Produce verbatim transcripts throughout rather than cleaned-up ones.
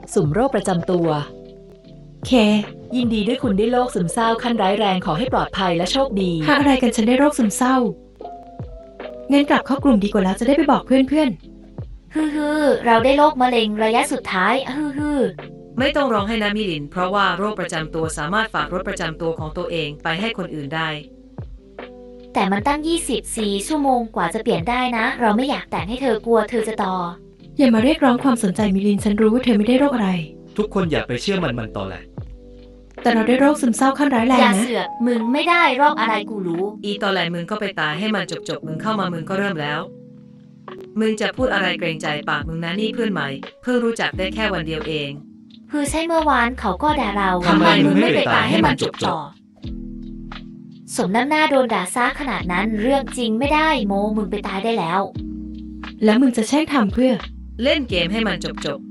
สุ่มโรคประจำตัวเคยินดีด้วยคุณได้โรคซึมเศร้าขั้นร้ายแรงขอให้ปลอดภัยและโชคดีหาอะไรกันฉันได้โรคซึมเศร้างั้นกลับเข้ากลุ่มดีกว่าแล้วจะได้ไปบอกเพื่อนฮือฮือเราได้โรคมะเร็งระยะสุดท้ายฮือฮือไม่ต้องร้องให้นะมิลินเพราะว่าโรคประจำตัวสามารถฝากรถประจำตัวของตัวเองไปให้คนอื่นได้แต่มันตั้งยี่สิบสี่ชั่วโมงกว่าจะเปลี่ยนได้นะเราไม่อยากแต่งให้เธอกลัวเธอจะต่ออย่ามาเรียกร้องความสนใจมิลินฉันรู้ว่าเธอไม่ได้โรคอะไรทุกคนอย่าไปเชื่อมันมันตอแหลแต่เราได้โรคซึมเศร้าขั้นร้ายแรงนะอย่าเสือกมึงไม่ได้โรคอะไรกูรู้อีตอนแรกมึงก็ไปตายให้มันจบจบมึงเข้ามามึงก็เริ่มแล้วมึงจะพูดอะไรเกรงใจปากมึงนะนี่เพื่อนใหม่เพิ่งรู้จักได้แค่วันเดียวเองคือใช่เมื่อวานเขาก็ด่าเราทำไมมึงไม่ไปตายให้มันจบจบสมน้ำหน้าโดนด่าซะขนาดนั้นเรื่องจริงไม่ได้โมมึงไปตายได้แล้วแล้วมึงจะแช่งทำเพื่อเล่นเกมให้มันจบจบ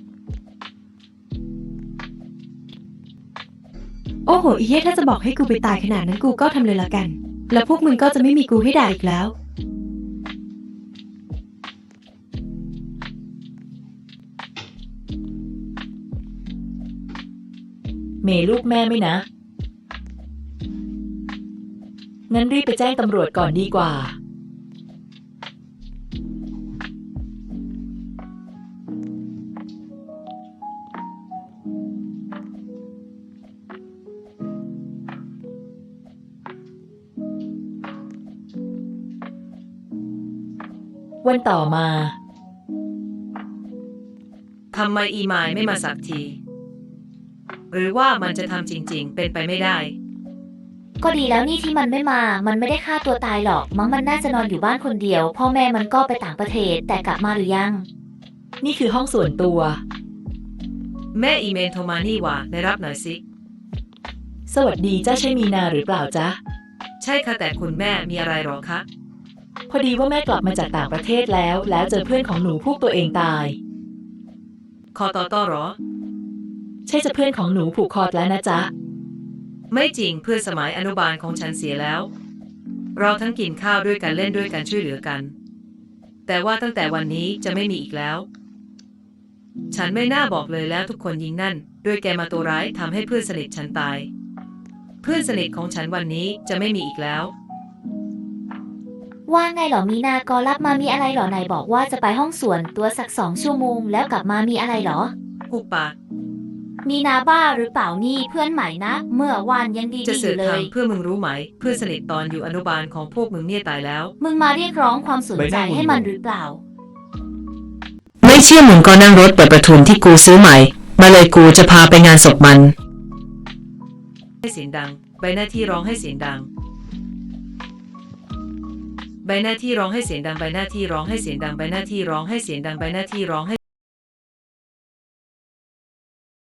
โอ้โหอีเหี้ยถ้าจะบอกให้กูไปตายขนาดนั้นกูก็ทำเลยละกันแล้วพวกมึงก็จะไม่มีกูให้ด่าอีกแล้วเมย์ลูกแม่ไม่นะงั้นรีบไปแจ้งตำรวจก่อนดีกว่าวันต่อมาทำไมอีไมล์ไม่มาสักทีหรือว่ามันจะทำจริงๆเป็นไปไม่ได้ก็ดีแล้วนี่ที่มันไม่มามันไม่ได้ฆ่าตัวตายหรอกมั้งมันน่าจะนอนอยู่บ้านคนเดียวพ่อแม่มันก็ไปต่างประเทศแต่กลับมาหรือยังนี่คือห้องส่วนตัวแม่อีเมลโทรมานี่ว่าได้รับหน่อยสิสวัสดีจ้าใช่มีนาหรือเปล่าจ๊ะใช่ค่ะแต่คุณแม่มีอะไรหรอคะพอดีว่าแม่กลับมาจากต่างประเทศแล้วแล้วเจอเพื่อนของหนูพวกตัวเองตายคอต่อต่อหรอใช่จะเพื่อนของหนูผูกคอแล้วนะจ๊ะไม่จริงเพื่อนสมัยอนุบาลของฉันเสียแล้วเราทั้งกินข้าวด้วยกันเล่นด้วยกันช่วยเหลือกันแต่ว่าตั้งแต่วันนี้จะไม่มีอีกแล้วฉันไม่น่าบอกเลยแล้วทุกคนยิงนั่นด้วยแกมาตัวร้ายทำให้เพื่อนสนิทฉันตายเพื่อนสนิทของฉันวันนี้จะไม่มีอีกแล้วว่าไงหรอมีนาก็รับมามีอะไรหรอไหนบอกว่าจะไปห้องส่วนตัวสักสองชั่วโมงแล้วกลับมามีอะไรหรอหุบปากมีนาบ้าหรือเปล่านี่เพื่อนใหม่นะเมื่อวานยังดีๆอยู่เลยจะเสือกทำเพื่อมึงรู้ไหมเพื่อนสนิทตอนอยู่อนุบาลของพวกมึงเนี่ยตายแล้วมึงมาเรียกร้องความสนใจให้มันหรือเปล่าไม่เชื่อมึงก็นั่งรถเปิดประทุนที่กูซื้อใหม่มาเลยกูจะพาไปงานศพมันให้เสียงดังใบหน้าที่ร้องให้เสียงดังใบหน้าที่ร้องให้เสียงดังใบหน้าที่ร้องให้เสียงดังใบหน้าที่ร้องให้เสียงดังใบหน้าที่ร้องให้